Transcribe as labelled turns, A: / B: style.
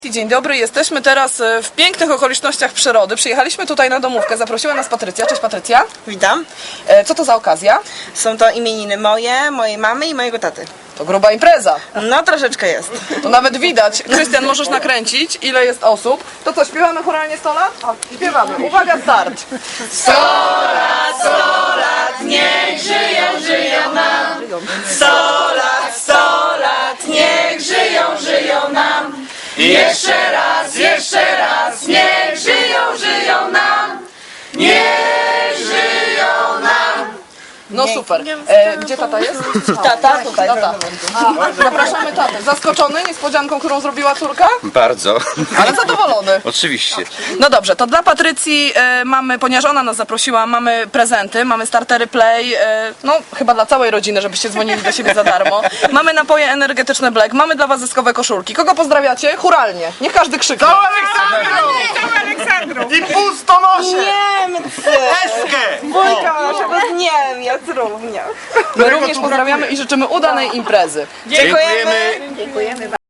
A: Dzień dobry, jesteśmy teraz w pięknych okolicznościach przyrody. Przyjechaliśmy tutaj na domówkę, zaprosiła nas Patrycja. Cześć Patrycja.
B: Witam.
A: Co to za okazja?
B: Są to imieniny moje, mojej mamy i mojego taty.
A: To gruba impreza.
B: No troszeczkę jest.
A: To nawet widać. Krystian, możesz nakręcić, ile jest osób. To co, śpiewamy chóralnie 100 lat? Śpiewamy. Uwaga, start.
B: 100 lat, niech żyją nam. 100 lat, niech żyją nam. Jeszcze raz, niech żyją nam. Niech żyją nam.
A: No super. Gdzie tata jest?
B: Tata tutaj.
A: Tata. Zapraszamy tatę. Zaskoczony niespodzianką, którą zrobiła córka?
C: Bardzo.
A: Ale zadowolony.
C: Oczywiście.
A: No dobrze, to dla Patrycji mamy, ponieważ ona nas zaprosiła, mamy prezenty, mamy startery Play, no chyba dla całej rodziny, żebyście dzwonili do siebie za darmo. Mamy napoje energetyczne Black, mamy dla was zyskowe koszulki. Kogo pozdrawiacie? Chóralnie. Niech każdy krzyknie.
D: I pustonosze!
B: Niemcy!
D: Eskę!
B: Wujka naszego z Niemiec również.
A: My również pozdrawiamy i życzymy udanej imprezy.
B: Dziękujemy.